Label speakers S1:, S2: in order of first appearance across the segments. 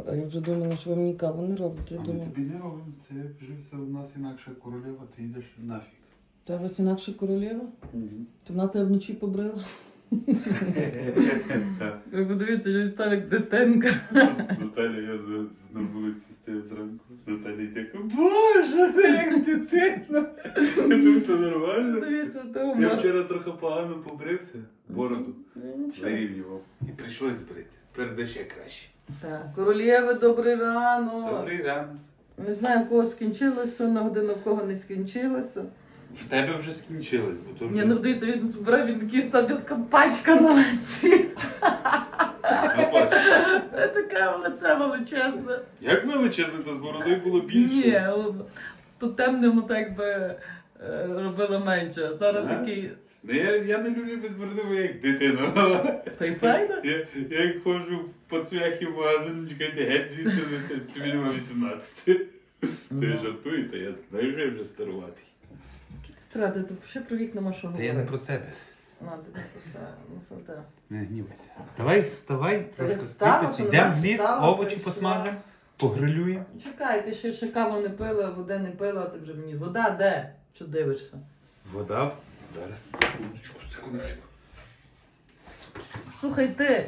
S1: А я вже думала, що ви мені каву не робите. Я
S2: А ми
S1: думала,
S2: тобі не робимо, це вже все у нас інакша королева, ти йдеш нафіг.
S1: та ось інакше королева? То вона тебе вночі побрила? Ви подивіться, що він став як дитинка.
S2: Наталя, я на вулиці стою зранку. Наталя йде, боже, ти як дитина. Я думаю, то нормально.
S1: Дивіться, то
S2: Я вчора трохи погано побрився, бороду
S1: Нічого.
S2: вирівнював. І прийшлось збрити. Тепер де ще краще.
S1: Так, королєви, добрий ранок.
S2: Добрий ранок.
S1: Не знаю, в кого скінчилося, на годину в кого не скінчилося.
S2: В тебе вже скінчилось, бо то вже...
S1: Ні, ну дивіться, він збирає, він такий став така пачка на лиці. Така лице величезне.
S2: Як величезне, то з бородою було більше.
S1: Ні, то темному так би робило менше. А зараз
S2: Ага.
S1: такий.
S2: Ну, я не люблю без бороди, бо я як дитина.
S1: Та й файно?
S2: Я як ходжу по цвяхі в магазин, чекайте, геть звідси, тобі нема 18. Ти жартуєте, я знаю, що я вже старуватий.
S1: Страти, ти ще про вік нема що
S2: Та я не
S1: говорити.
S2: про себе.
S1: А, ти не про себе. Ну, це те.
S2: Не гнівайся. Давай вставай, трошки
S1: встала,
S2: скріпись,
S1: що
S2: йдемо
S1: нема,
S2: в ліс,
S1: встала,
S2: овочі
S1: прийшла.
S2: посмажемо, погрилюємо.
S1: Чекай, ти ще каву не пила, води не пила, а ти вже мені. Вода де? Що дивишся?
S2: Вода. Зараз, секундочку.
S1: Слухай, ти.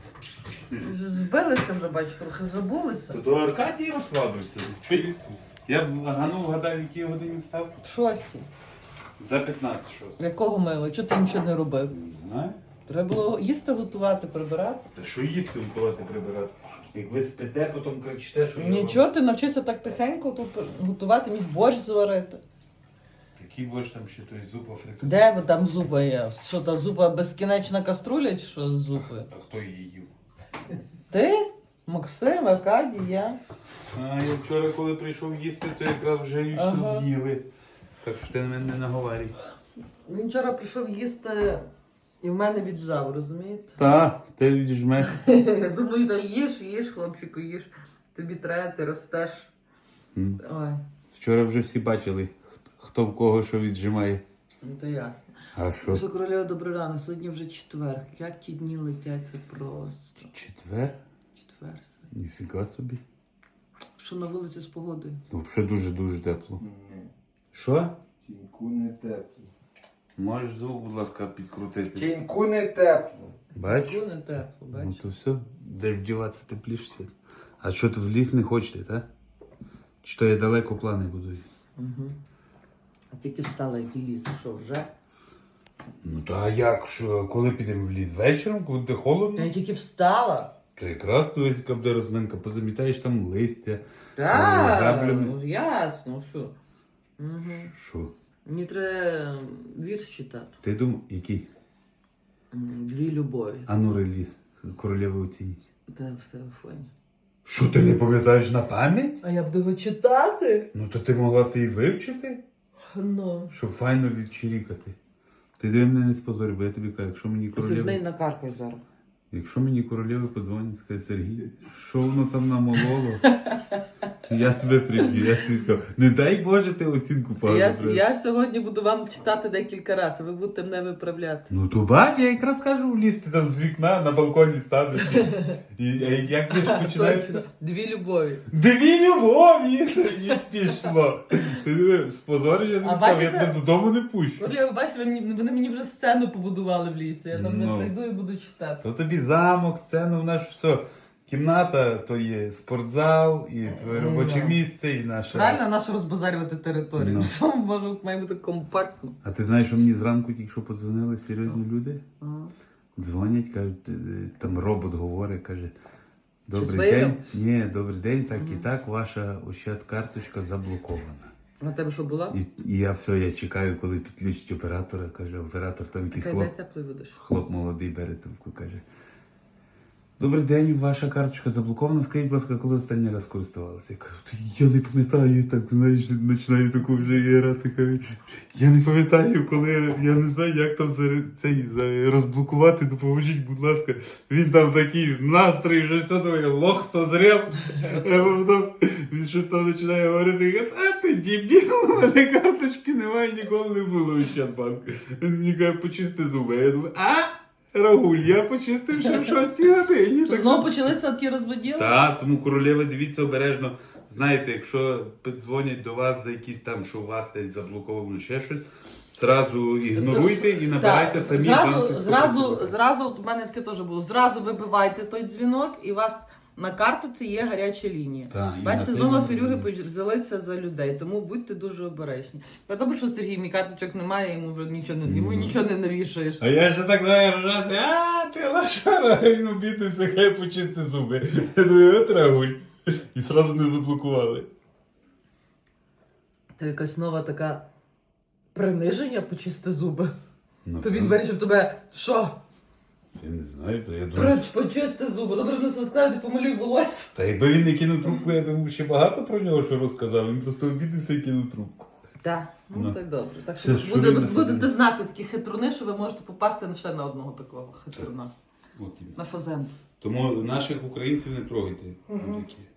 S1: Збилися вже, бачиш, трохи забулися.
S2: То до Аркадії розкладувався. Я вгадав, в якій годині встав?
S1: Шості.
S2: За 15 щось.
S1: Якого мило? Чого ти нічого не робив?
S2: Не знаю.
S1: Треба було їсти, готувати, прибирати.
S2: Та що їсти готувати прибирати? Як ви спите, потім кричите, що я вам-
S1: Нічого, ти навчився так тихенько тут готувати, міг борщ зварити.
S2: Який борщ там ще той зуб африканський?
S1: Де ви там зуба є? Що та зуба безкінечна каструля чи що з зупою?
S2: А хто її їв?
S1: Ти? Максим, Аркадій, я.
S2: А я вчора, коли прийшов їсти, то якраз вже і все
S1: Ага.
S2: з'їли. Так що ти на мене не наговарюй.
S1: Він вчора прийшов їсти і в мене віджав, розумієте?
S2: Так, ти віджмеш.
S1: Я думаю, да їж, хлопчику, їж. Тобі треба, ти ростеш. Ой,
S2: Вчора вже всі бачили, хто в кого що віджимає.
S1: ну то ясно.
S2: А що?
S1: Що, королева, добрий ранок, сьогодні вже четвер. Як ті дні летять, це просто.
S2: Четвер?
S1: Четвер.
S2: Ніфіга собі.
S1: Що на вулиці з погодою?
S2: Взагалі дуже-дуже тепло. Що?
S3: Тіньку не тепло.
S2: Можеш звук, будь ласка, підкрутити.
S3: Тіньку не тепло.
S2: Бач?
S1: Що не тепло,
S2: Ну
S1: бачиш?
S2: то все, де вдіватися тепліше. А що ти в ліс не хочете, так? Чи то я далеко плани будую?
S1: Угу. А тільки встала, який ліс, що вже?
S2: Ну та а як, що, коли підемо в ліс? Вечором, коли буде холодно?
S1: Та я тільки встала.
S2: То якраз дивись, яка буде розминка, позамітаєш там листя.
S1: Так,
S2: граблями.
S1: ну ясно, що. Угу.
S2: Що?
S1: Мені треба вірш читати.
S2: Ти думав, який?
S1: Дві любові.
S2: А ну реліз, королеви оцініть.
S1: Де в телефоні.
S2: Що, ти не пам'ятаєш на пам'ять?
S1: А я буду його читати?
S2: Ну то ти могла це і вивчити,
S1: Ну.
S2: щоб файно відчирікати. Ти диви мене не спозорь, бо я тобі кажу,
S1: Ти ж неї накаркай зараз.
S2: якщо мені королеви подзвонять, скаже, Сергій, що воно там намололо? Я тебе приб'ю, я тобі скажу, не дай Боже ти оцінку погано.
S1: Я сьогодні буду вам читати декілька разів, ви будете мене виправляти.
S2: Ну то бач, я якраз кажу влізти там з вікна, на балконі станеш. А як ти ж починаєш?
S1: Точно. Дві любові.
S2: Дві любові! І пішло. Ти диви, спозориш, я
S1: А
S2: не став, я
S1: бачите?
S2: тебе додому не пущу.
S1: Оля, ви бачите, вони мені вже сцену побудували в лісі. Я там не
S2: Ну.
S1: прийду і буду читати.
S2: То тобі замок, сцена, в нас все. Кімната, то є спортзал, і твоє
S1: Ну,
S2: робоче
S1: да.
S2: місце, і наша...
S1: Правильно нащо розбазарювати територію?
S2: Ну.
S1: Все має бути компактно.
S2: А ти знаєш, що мені зранку тільки що подзвонили серйозні люди? Дзвонять, кажуть, там робот говорить, каже, добрий
S1: з Ваєром?
S2: день. Ні, добрий день, так і так, ваша Ощад-карточка заблокована.
S1: На тебе що була?
S2: І я все, я чекаю, коли підключить оператора, каже, оператор там якийсь
S1: Хай
S2: хлоп.
S1: дай теплий видиш.
S2: Хлоп молодий бере трубку, каже. Добрий день, ваша карточка заблокована. Скажіть, будь ласка, коли останній раз користувалися? Я кажу, я не пам'ятаю, так, знаєш, починаю таку вже грати. Кажу, я не пам'ятаю, коли, я не знаю, як там цей розблокувати, допоможіть, будь ласка. Він там такий настрій, що все думає, лох созрів. А потім він щось там починає говорити, і каже, а ти дебіл, у мене карточки немає, ніколи не було в Ощадбанку. Він мені каже, почисти зуби. Я думаю, Рагуль, я почистив ще в 6 годині.
S1: То знову почалися ті розводіли?
S2: Так, тому королева, дивіться обережно. Знаєте, якщо дзвонять до вас за якісь там, що у вас десь заблоковано ще щось, зразу ігноруйте і набирайте
S1: Так,
S2: самі
S1: зразу, в мене таке теж було, зразу вибивайте той дзвінок і у вас на картоці є гаряча лінія.
S2: Так, і
S1: Бачите,
S2: на
S1: знову
S2: цей
S1: фірюги
S2: момент.
S1: взялися за людей, тому будьте дуже обережні. Добре, що Сергій, мій карточок немає, йому вже нічого не навішаєш.
S2: А я ще так знаю ржати, ти лошара, він обідався, хай почисти зуби. Я думаю, от Рагуль. І зразу не заблокували.
S1: Це якась нова така приниження почисти зуби.
S2: Ну,
S1: То він вирішив тебе, що?
S2: Я не знаю, то я думаю.
S1: Почисти зуби. Добре, що не скажуть, помалюй волосся.
S2: Та якби він не кинув трубку, я б йому ще багато про нього що розказав. Він просто обідався і кинув трубку.
S1: Так, ну
S2: Ну.
S1: так добре. Так
S2: Це
S1: що
S2: ж Фурина
S1: будете
S2: Фурина.
S1: знати такі хитруни, що ви можете попасти ще на одного такого хитруна.
S2: От іменно.
S1: На фазент.
S2: Тому наших українців не трогайте. Будь-які.